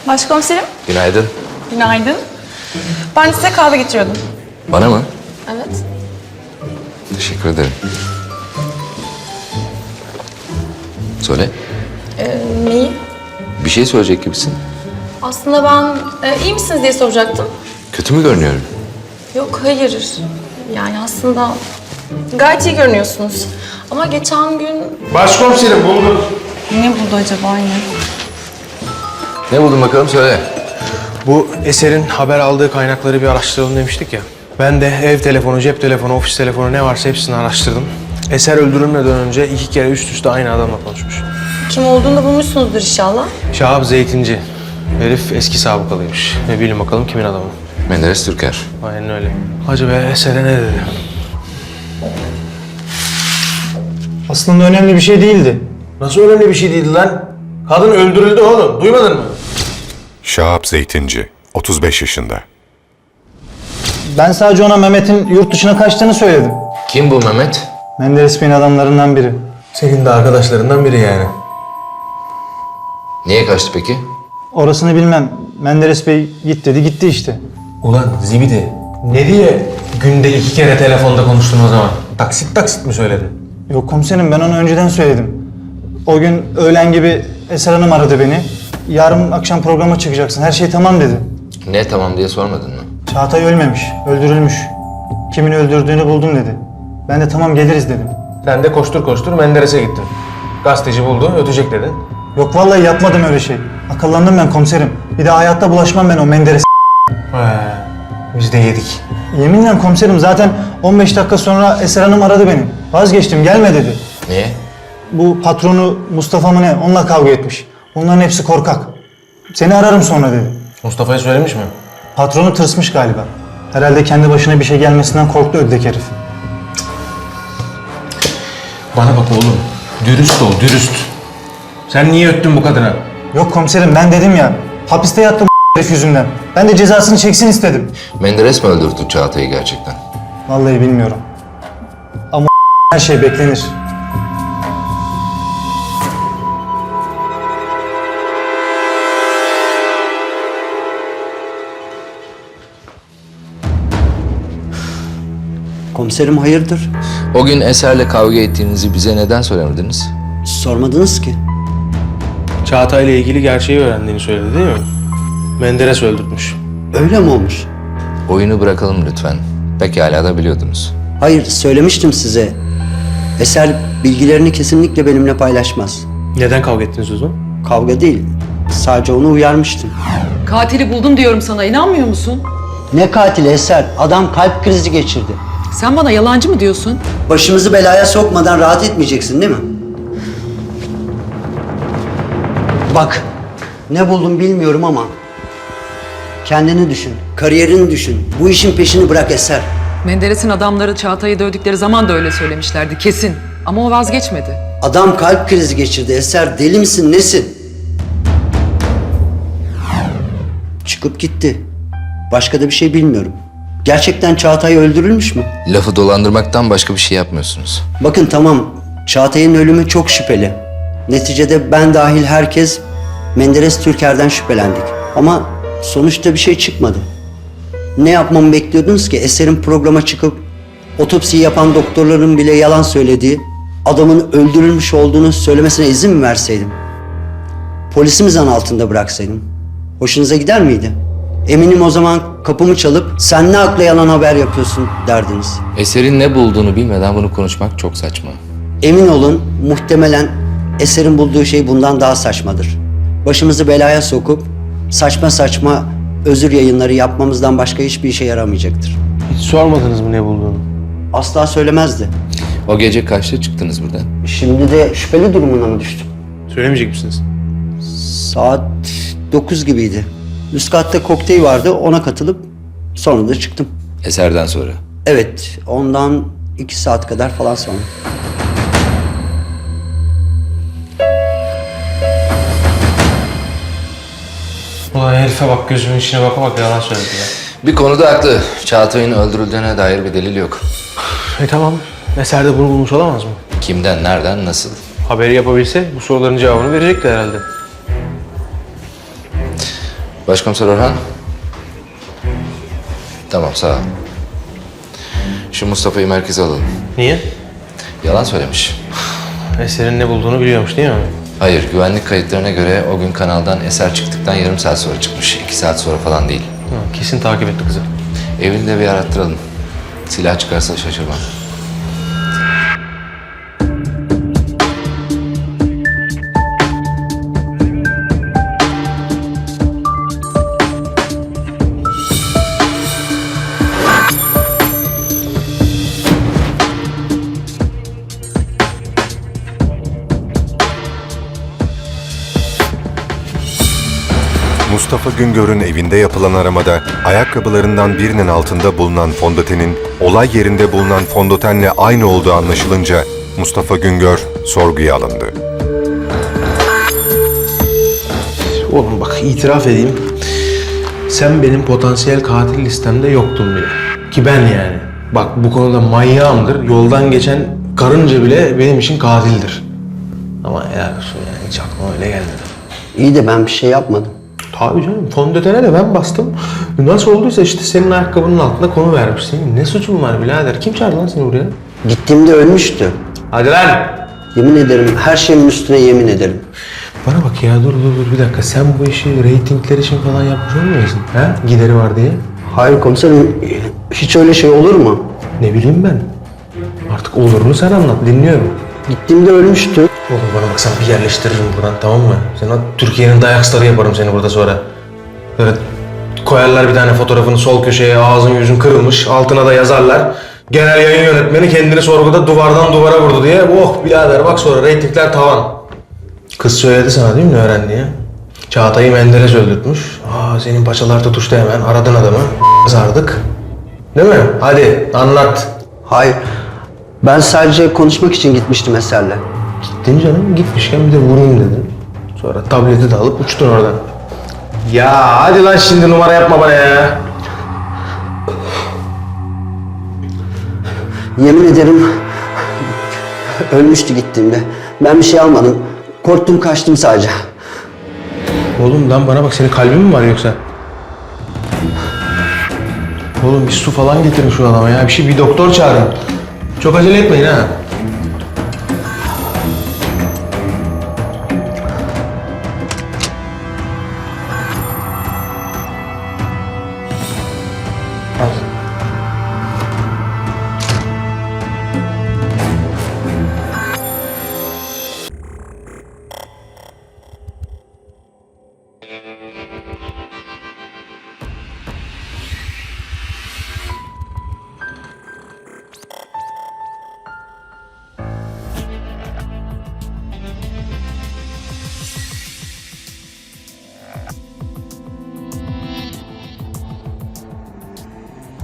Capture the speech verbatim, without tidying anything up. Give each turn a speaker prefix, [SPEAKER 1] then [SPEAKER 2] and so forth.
[SPEAKER 1] Başkomiserim,
[SPEAKER 2] Günaydın.
[SPEAKER 1] günaydın. Ben size kahve getiriyordum.
[SPEAKER 2] Bana mı?
[SPEAKER 1] Evet.
[SPEAKER 2] Teşekkür ederim. Söyle.
[SPEAKER 1] Ee, neyi?
[SPEAKER 2] Bir şey söyleyecek gibisin.
[SPEAKER 1] Aslında ben e, iyi misiniz diye soracaktım.
[SPEAKER 2] Kötü mü görünüyorum?
[SPEAKER 1] Yok, hayır. Yani aslında gayet iyi görünüyorsunuz. Ama geçen gün...
[SPEAKER 3] Başkomiserim buldum.
[SPEAKER 1] Ne buldu acaba yine?
[SPEAKER 2] Ne buldun bakalım söyle.
[SPEAKER 3] Bu Eser'in haber aldığı kaynakları bir araştıralım demiştik ya. Ben de ev telefonu, cep telefonu, ofis telefonu ne varsa hepsini araştırdım. Eser öldürülmeden önce iki kere üst üste aynı adamla konuşmuş.
[SPEAKER 1] Kim olduğunu da bulmuşsunuzdur inşallah.
[SPEAKER 3] Şahap Zeytinci. Herif eski sabıkalıymış. Ve bilin bakalım kimin adamı.
[SPEAKER 2] Menderes Türker.
[SPEAKER 3] Aynen öyle. Acaba Eser'e ne dedi?
[SPEAKER 4] Aslında önemli bir şey değildi.
[SPEAKER 3] Nasıl önemli bir şey değildi lan? Kadın öldürüldü oğlum. Duymadın mı?
[SPEAKER 5] Şahap Zeytinci, otuz beş yaşında.
[SPEAKER 4] Ben sadece ona Mehmet'in yurt dışına kaçtığını söyledim.
[SPEAKER 2] Kim bu Mehmet?
[SPEAKER 4] Menderes Bey'in adamlarından biri.
[SPEAKER 3] Senin de arkadaşlarından biri yani.
[SPEAKER 2] Niye kaçtı peki?
[SPEAKER 4] Orasını bilmem. Menderes Bey git dedi, gitti işte.
[SPEAKER 3] Ulan zibidi. Ne diye günde iki kere telefonda konuştun o zaman? Taksit taksit mi söyledin?
[SPEAKER 4] Yok komiserim, ben onu önceden söyledim. O gün öğlen gibi Eser Hanım aradı beni. Yarın akşam programa çıkacaksın, her şey tamam dedi.
[SPEAKER 2] Ne tamam diye sormadın mı?
[SPEAKER 4] Çağatay ölmemiş, öldürülmüş. Kimin öldürdüğünü buldum dedi. Ben de tamam geliriz dedim.
[SPEAKER 3] Sen de koştur koştur Menderes'e gittin. Gazeteci buldu, ötecek dedin.
[SPEAKER 4] Yok vallahi yapmadım öyle şey. Akıllandım ben komiserim. Bir daha hayatta bulaşmam ben o Menderes.
[SPEAKER 3] He, biz de yedik.
[SPEAKER 4] Yeminle komiserim, zaten on beş dakika sonra Eser Hanım aradı beni. Vazgeçtim, gelme dedi.
[SPEAKER 2] Niye?
[SPEAKER 4] Bu patronu Mustafa mı ne, onunla kavga etmiş. Bunların hepsi korkak. Seni ararım sonra dedi.
[SPEAKER 3] Mustafa'ya söylemiş mi?
[SPEAKER 4] Patronu tırsmış galiba. Herhalde kendi başına bir şey gelmesinden korktu ödlek herif.
[SPEAKER 3] Bana bak oğlum, dürüst ol, dürüst. Sen niye öttün bu kadına?
[SPEAKER 4] Yok komiserim, ben dedim ya, hapiste yattım herif yüzünden. Ben de cezasını çeksin istedim.
[SPEAKER 2] Menderes mi öldürdü Çağatay'ı gerçekten?
[SPEAKER 4] Vallahi bilmiyorum. Ama her şey beklenir.
[SPEAKER 6] Komiserim hayırdır?
[SPEAKER 2] O gün Eser'le kavga ettiğinizi bize neden söylemediniz?
[SPEAKER 6] Sormadınız ki.
[SPEAKER 3] Çağatay'la ilgili gerçeği öğrendiğini söyledi değil mi? Menderes öldürmüş.
[SPEAKER 6] Öyle mi olmuş?
[SPEAKER 2] Oyunu bırakalım lütfen. Pekala da biliyordunuz.
[SPEAKER 6] Hayır, söylemiştim size. Eser bilgilerini kesinlikle benimle paylaşmaz.
[SPEAKER 3] Neden kavga ettiniz o zaman?
[SPEAKER 6] Kavga değil, sadece onu uyarmıştım.
[SPEAKER 7] Katili buldum diyorum sana, inanmıyor musun?
[SPEAKER 6] Ne katili Eser? Adam kalp krizi geçirdi.
[SPEAKER 7] Sen bana yalancı mı diyorsun?
[SPEAKER 6] Başımızı belaya sokmadan rahat etmeyeceksin değil mi? Bak, ne buldum bilmiyorum ama kendini düşün, kariyerini düşün. Bu işin peşini bırak Eser.
[SPEAKER 7] Menderes'in adamları Çağatay'ı dövdükleri zaman da öyle söylemişlerdi, kesin. Ama o vazgeçmedi.
[SPEAKER 6] Adam kalp krizi geçirdi Eser. Deli misin, nesin? Çıkıp gitti. Başka da bir şey bilmiyorum. Gerçekten Çağatay öldürülmüş mü?
[SPEAKER 2] Lafı dolandırmaktan başka bir şey yapmıyorsunuz.
[SPEAKER 6] Bakın tamam, Çağatay'ın ölümü çok şüpheli. Neticede ben dahil herkes Menderes Türker'den şüphelendik. Ama sonuçta bir şey çıkmadı. Ne yapmamı bekliyordunuz ki? Eser'in programa çıkıp otopsiyi yapan doktorların bile yalan söylediği, adamın öldürülmüş olduğunu söylemesine izin mi verseydim? Polisi mi zan altında bıraksaydım? Hoşunuza gider miydi? Eminim o zaman kapımı çalıp sen ne akla yalan haber yapıyorsun derdiniz.
[SPEAKER 2] Eser'in ne bulduğunu bilmeden bunu konuşmak çok saçma.
[SPEAKER 6] Emin olun muhtemelen Eser'in bulduğu şey bundan daha saçmadır. Başımızı belaya sokup saçma saçma özür yayınları yapmamızdan başka hiçbir işe yaramayacaktır.
[SPEAKER 3] Hiç sormadınız mı ne bulduğunu?
[SPEAKER 6] Asla söylemezdi.
[SPEAKER 2] O gece kaçta çıktınız buradan?
[SPEAKER 6] Şimdi de şüpheli durumuna mı düştüm?
[SPEAKER 3] Söylemeyecek misiniz?
[SPEAKER 6] Saat dokuz gibiydi. Üst katta kokteyl vardı, ona katılıp sonra da çıktım.
[SPEAKER 2] Eser'den sonra.
[SPEAKER 6] Evet, ondan iki saat kadar falan sonra.
[SPEAKER 3] Ulan herife bak, gözümün içine baka bak yalan söyledi ya.
[SPEAKER 2] Bir konuda haklı. Çağatay'ın öldürüldüğüne dair bir delil yok.
[SPEAKER 3] E tamam, Eser de bunu bulmuş olamaz mı?
[SPEAKER 2] Kimden, nereden, nasıl?
[SPEAKER 3] Haberi yapabilse bu soruların cevabını verecekti herhalde.
[SPEAKER 2] Başkomiser Orhan. Tamam, sağ ol. Şu Mustafa'yı merkeze alalım.
[SPEAKER 3] Niye?
[SPEAKER 2] Yalan söylemiş.
[SPEAKER 3] Eser'in ne bulduğunu biliyormuş değil mi?
[SPEAKER 2] Hayır, güvenlik kayıtlarına göre o gün kanaldan Eser çıktıktan yarım saat sonra çıkmış. İki saat sonra falan değil.
[SPEAKER 3] Ha, kesin takip etti kızı.
[SPEAKER 2] Evini de bir arattıralım. Silah çıkarsa şaşırmam.
[SPEAKER 5] Mustafa Güngör'ün evinde yapılan aramada ayakkabılarından birinin altında bulunan fondötenin olay yerinde bulunan fondötenle aynı olduğu anlaşılınca Mustafa Güngör sorguya alındı.
[SPEAKER 3] Oğlum bak itiraf edeyim. Sen benim potansiyel katil listemde yoktun bile. Ki ben yani. Bak bu konuda manyağımdır. Yoldan geçen karınca bile benim için katildir. Ama helal olsun yani hiç aklıma öyle gelmedi.
[SPEAKER 6] İyi de ben bir şey yapmadım.
[SPEAKER 3] Tabii canım fondötene de ben bastım. Nasıl olduysa işte senin ayakkabının altında konu vermiş. Senin ne suçun var birader? Kim çağırdı lan seni buraya?
[SPEAKER 6] Gittiğimde ölmüştü.
[SPEAKER 3] Hadi lan!
[SPEAKER 6] Yemin ederim, her şeyimin üstüne yemin ederim.
[SPEAKER 3] Bana bak ya dur dur dur bir dakika. Sen bu işi reytingler için falan yapmış olmuyorsun? Ha? Gideri var diye.
[SPEAKER 6] Hayır komiserim, hiç öyle şey olur mu?
[SPEAKER 3] Ne bileyim ben. Artık olurunu sen anlat. Dinliyorum.
[SPEAKER 6] Gittiğimde ölmüştü.
[SPEAKER 3] Oğlum bana bak sana bir yerleştiririm buradan tamam mı? Sen o Türkiye'nin dayak starı yaparım seni burada sonra. Böyle koyarlar bir tane fotoğrafını sol köşeye ağzın yüzün kırılmış. Altına da yazarlar. Genel yayın yönetmeni kendini sorguda duvardan duvara vurdu diye. Oh birader bak sonra reytingler tavan. Kız söyledi sana değil mi ne öğrendiği? Çağatay'ı Menderes öldürtmüş. Aa senin paçalar tutuştu hemen. Aradın adamı. Sardık. Değil mi? Hadi anlat.
[SPEAKER 6] Hayır, ben sadece konuşmak için gitmiştim Eser'le.
[SPEAKER 3] Gittin canım, gitmişken bir de vurayım dedin. Sonra tableti de alıp uçtun oradan. Ya hadi lan şimdi numara yapma bana ya.
[SPEAKER 6] Yemin ederim, ölmüştü gittiğimde. Ben bir şey almadım. Korktum, kaçtım sadece.
[SPEAKER 3] Oğlum lan bana bak senin kalbin mi var yoksa? Oğlum bir su falan getirin şu adama ya. Bir şey bir doktor çağırın. Çok acele etmeyin ha. Al.